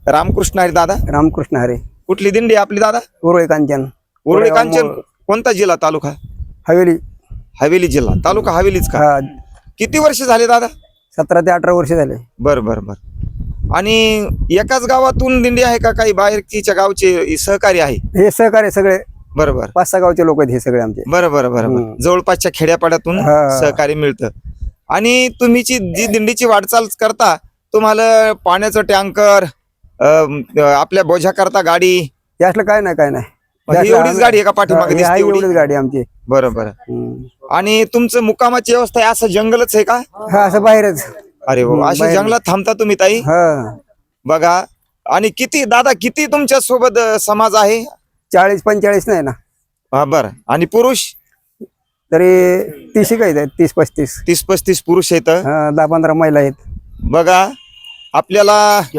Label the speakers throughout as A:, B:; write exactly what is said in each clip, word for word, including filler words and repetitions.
A: रामकृष्ण हरी दादा.
B: रामकृष्ण हरे.
A: कुठली दिंडी आपली दादा?
B: उरुळी कांचन.
A: उरुळी कांचन. कोणता जिल्हा तालुका?
B: हवेली.
A: हवेली जिल्हा तालुका हवेलीच का?
B: हा.
A: किती वर्ष झाले दादा?
B: सतरा ते अठरा वर्ष झाले.
A: बर बर बर. आणि एकाच गावातून दिंडी आहे का काही बाहेरच्या गावचे सहकारी आहे?
B: हे सहकार्य सगळे
A: बरोबर.
B: पाच सहा गावचे लोक आहेत हे सगळे आमचे.
A: बरोबर बरोबर. जवळपासच्या खेड्यापाड्यातून
B: हा.
A: सहकार्य मिळतं. आणि तुम्ही जी दिंडीची वाटचाल करता तुम्हाला पाण्याचं टँकर आपल्या बोझ्या करता गाडी
B: यातलं काय नाही काय नाही.
A: एवढीच गाडी आहे का पाठीमागे दिसते एवढी?
B: एवढीच गाडी आमची.
A: बरोबर. आणि तुमचं मुक्कामाची व्यवस्था आहे असं जंगलच आहे का?
B: हा असं बाहेरच.
A: अरे हो, अशा जंगलात थांबता तुम्ही ताई?
B: हा.
A: बघा. आणि किती दादा किती तुमच्या सोबत समाज आहे?
B: चाळीस पंचेचाळीस नाही ना.
A: हा बर. आणि पुरुष
B: तरी तीस काही आहेत. तीस पस्तीस
A: तीस पस्तीस पुरुष आहेत.
B: दहा पंधरा महिला आहेत. बघा
A: आपल्याला.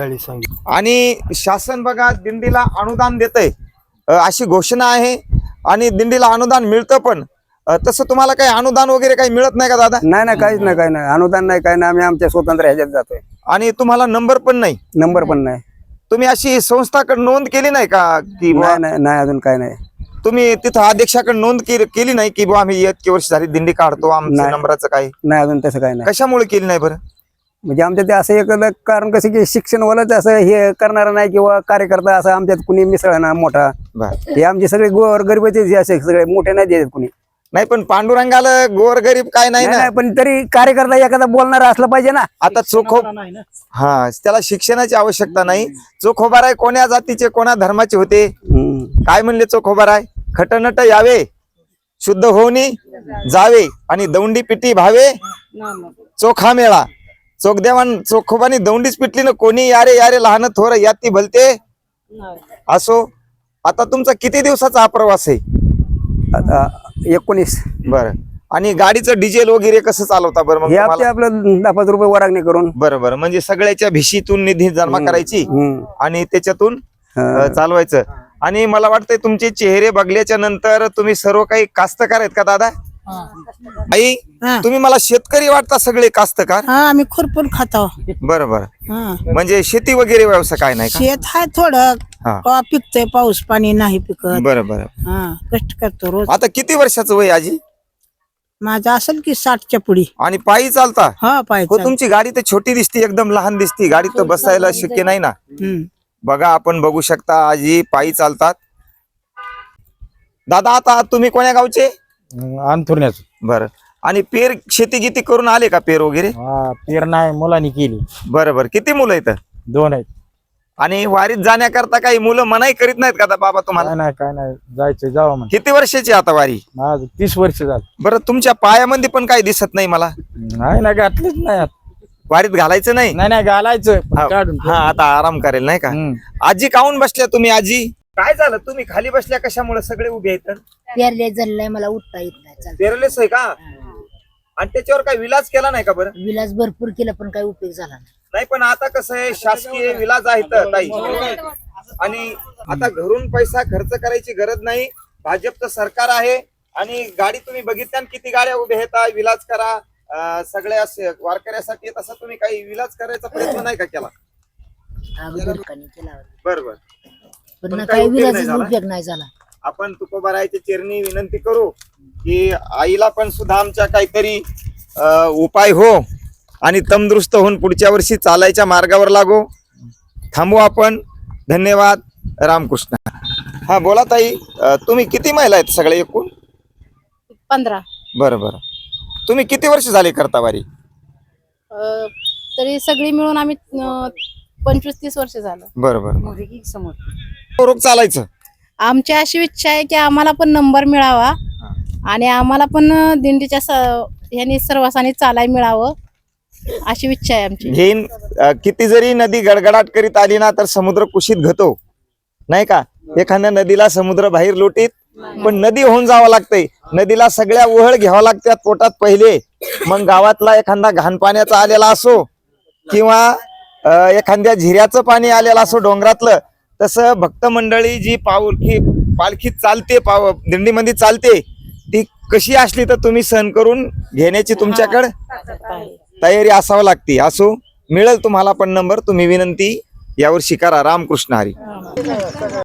A: आणि शासन बघा दिंडीला अनुदान देतंय अशी घोषणा आहे. आणि दिंडीला अनुदान मिळतं पण तसं तुम्हाला काही अनुदान वगैरे काही मिळत नाही का दादा?
B: नाही नाही काहीच नाही काही नाही. अनुदान नाही काही नाही. आम्ही आमच्या स्वतंत्र ह्याच्यात जातोय.
A: आणि तुम्हाला नंबर पण नाही?
B: नंबर पण नाही.
A: तुम्ही अशी संस्थाकडे नोंद केली नाही का की?
B: नाही नाही नाही अजून काय नाही.
A: तुम्ही तिथं अध्यक्षाकडे नोंद केली नाही की आम्ही इतकी वर्ष झाली दिंडी काढतो आमच्या नंबराचं काय?
B: नाही अजून तसं काही नाही.
A: कशामुळे केली नाही बरं?
B: म्हणजे आमच्या ते असं एक कारण कसं की शिक्षण वालाच असं हे करणार नाही किंवा कार्यकर्ता असं आमच्यात कुणी मिसळ ना मोठा. हे आमचे सगळे गोर गरीबाचे असे सगळे मोठे नाही देत कुणी. नाही
A: पण पांडुरंगाला गोर गरीब काय नाही ना.
B: पण तरी कार्यकर्ता एखादा बोलणार असला पाहिजे ना.
A: आता चोखो हा त्याला शिक्षणाची आवश्यकता नाही. चोखोबाराय कोण्या जातीचे कोणा धर्माचे होते काय म्हणले? चोखोबाराय खटनट यावे शुद्ध होऊनी जावे आणि दौंडी पिटी भावे चोखा मेळा. चोखदेवान चोखोबानी दौंडीच पिटली ना. कोणी यारे यारे लहान थोर याती भलते असो. आता तुमचा किती दिवसाचा हा प्रवास आहे?
B: आता एकोणीस.
A: बरं. आणि गाडीचं डिझेल वगैरे कसं चालवता बरं? मग
B: आपलं दहा पाच रुपये वरागणी करून.
A: बरं बरं. म्हणजे सगळ्याच्या भिशीतून निधी जमा करायची आणि त्याच्यातून चालवायचं. आणि मला वाटतंय तुमचे चेहरे बघल्याच्या नंतर तुम्ही सर्व काही कास्तकार आहेत का दादा? आई तुम्ही मला शेतकरी वाटता सगळे कास्तकार?
C: आम्ही खुरपून खातो.
A: बरं बरं. म्हणजे शेती वगैरे व्यवसाय काय नाही?
C: शेत आहे थोडं पिकतोय. पाऊस पाणी नाही पिकत.
A: बरं बरं.
C: कष्ट करतो रोज.
A: आता किती वर्षाचं वय आजी?
C: माझं असेल की साठच्या पुढी.
A: आणि पायी चालता?
C: हा पायी.
A: हो. तुमची गाडी तर छोटी दिसती एकदम लहान दिसती. गाडी तर बसायला शक्य नाही ना. बघा आपण बघू शकता आजी पायी चालतात. दादा आता तुम्ही कोण्या गावचे?
D: अंथुरण्याच.
A: बरं. आणि पेर शेती किती करून आले का? पेर वगैरे?
D: पेर नाही मुलांनी केली.
A: बरं बरं. किती मुलं आहेत?
D: दोन आहेत.
A: आणि वारीत जाण्याकरता काही मुलं मनाई करीत नाहीत का बाबा तुम्हाला?
D: नाही काय नाही जायचं जावं म्हणून.
A: किती वर्षाची आता वारी?
D: माझं तीस वर्ष झालं.
A: बरं. तुमच्या पायामध्ये पण काही दिसत नाही मला.
D: नाही ना घातलीच नाही.
A: वारीत घालायचं नाही?
D: नाही नाही घालायचं काढून.
A: हा आता आराम करेल नाही का? आजी काहून बसल्या तुम्ही? आजी काय झालं तुम्ही खाली बसल्या कशामुळे? सगळे उभे आहेत.
E: पेरले झालंय मला उठता येत नाही.
A: पेरलेच आहे का? आणि त्याच्यावर काही विलाज केला नाही का बरं?
E: विलास भरपूर केला पण काही उपयोग झाला नाही.
A: नाही पण आता कसं आहे शासकीय विलाज आहेत ताई. आणि आता घरून पैसा खर्च करायची गरज नाही. भाजपचं सरकार आहे. आणि गाडी तुम्ही बघितल्या किती गाड्या उभ्या आहेत. विलाज करा सगळ्या वारकऱ्यासाठी. तसं तुम्ही काही विलाज करायचा प्रयत्न नाही का केला? बरोबर.
E: पण काही विलाज उपयोग नाही झाला.
A: आपण तुकोबारायच्या चरणी विनंती करू की आईला पण सुद्धा आमच्या काहीतरी उपाय हो आणि तंदुरुस्त होऊन पुढच्या वर्षी चालायच्या मार्गावर लागो. थांबू आपण. धन्यवाद. रामकृष्ण. हा बोला ताई. तुम्ही किती महिला आहेत सगळे एकूण?
F: पंधरा.
A: बरं बरं. तुम्ही किती वर्ष झाले करता वारी?
F: तरी सगळी मिळून आम्ही पंचवीस तीस वर्ष झालं.
A: बरं बरं. रोग चालायचं.
F: आमची अशी इच्छा आहे की आम्हाला पण नंबर मिळावा आणि आम्हाला पण दिंडीच्या ह्यानी सर्वांनी चालाय मिळावं अशी इच्छा आहे आमची.
A: घेईन किती जरी नदी गडगडाट करीत आली ना तर समुद्र कुशीत घतो नाही का? एखाद्या नदीला समुद्र बाहेर लोटीत पण नदी होऊन जावं लागतंय. नदीला सगळ्या ओहळ घ्यावा लागतात पोटात पहिले. मग गावातला एखादा घाण पाण्याचा आलेला असो किंवा एखाद्या झिऱ्याचं पाणी आलेलं असो डोंगरातलं, तसं भक्त मंडळी जी पालखी पालखीत चालते पाव दिंडीमध्ये चालते ती कशी असली तर तुम्ही सहन करून घेण्याची तुमच्याकडे तयारी असावं लागते. असो मिळेल तुम्हाला पण नंबर. तुम्ही विनंती यावर्षी करा. रामकृष्ण हरी.